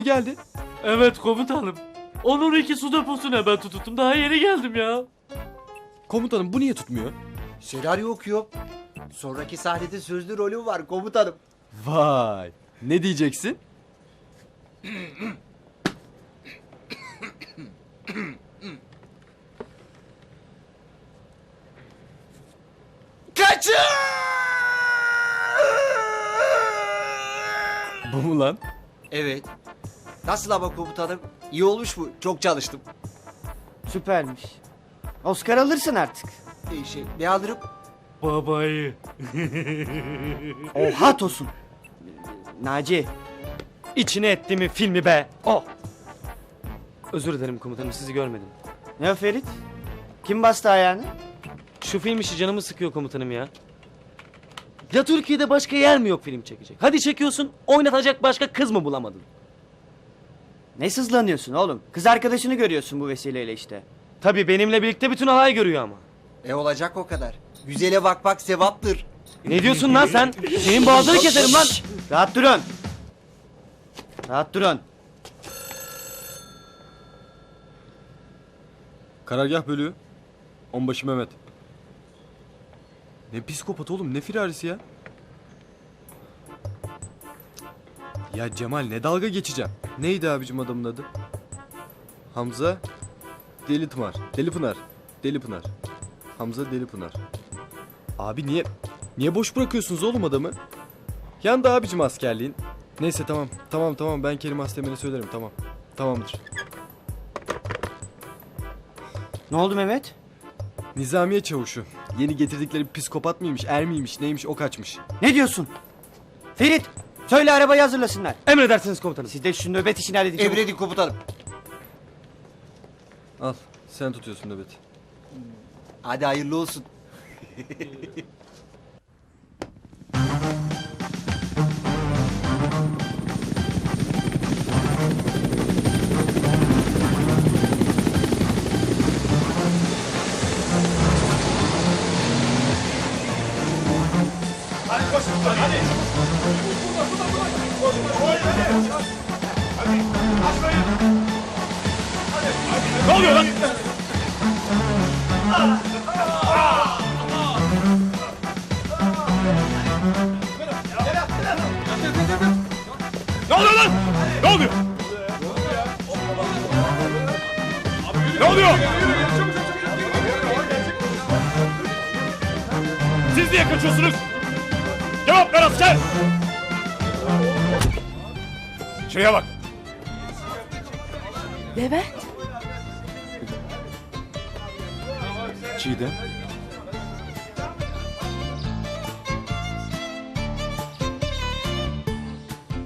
geldi. Evet komutanım. Onun iki su deposuna ben tuttum. Daha yeni geldim ya. Komutanım bu niye tutmuyor? Senaryo okuyor. Sonraki sahnede sözlü rolüm var komutanım. Vay. Ne diyeceksin? Kaçın! Bu mu lan? Evet. Nasıl ama komutanım? İyi olmuş mu? Çok çalıştım. Süpermiş. Oscar alırsın artık. Ne alırım? Babayı. Oha Tosun. Naci. İçine ettiğimi filmi be. Oh. Özür dilerim komutanım, sizi görmedim. Ne o Ferit? Kim bastı ayağını? Şu film işi canımı sıkıyor komutanım ya. Ya Türkiye'de başka yer mi yok film çekecek? Hadi çekiyorsun, oynatacak başka kız mı bulamadın? Ne sızlanıyorsun oğlum? Kız arkadaşını görüyorsun bu vesileyle işte. Tabii benimle birlikte bütün alay görüyor ama. Olacak o kadar. Güzele bakmak sevaptır. Ne diyorsun lan sen? Senin boğazını keserim lan. Rahat durun. Rahat durun. Karargah bölüğü. Onbaşı Mehmet. Ne psikopat oğlum, ne firarisi ya? Ya Cemal, ne dalga geçeceğim. Neydi abicim adamın adı? Hamza Delipınar. Delipınar. Delipınar. Hamza Delipınar. Abi niye boş bırakıyorsunuz oğlum adamı? Yandı abicim askerliğin. Neyse tamam ben Kerim Asteğmen'e söylerim, tamam. Tamamdır. Ne oldu Mehmet? Nizamiye çavuşu. Yeni getirdikleri psikopat mıymış, er miymiş, neymiş o kaçmış. Ne diyorsun? Ferit, söyle arabayı hazırlasınlar. Emredersiniz komutanım. Siz de şu nöbet işini halledin. çabuk. Emredin komutanım. Al, sen tutuyorsun nöbeti. Hadi hayırlı olsun. Ne oluyor lan? Ne oluyor lan? Ne oluyor? Ne oluyor? Siz niye kaçıyorsunuz? Cevap ver asker! Şuraya bak. Levent, Çiğdem.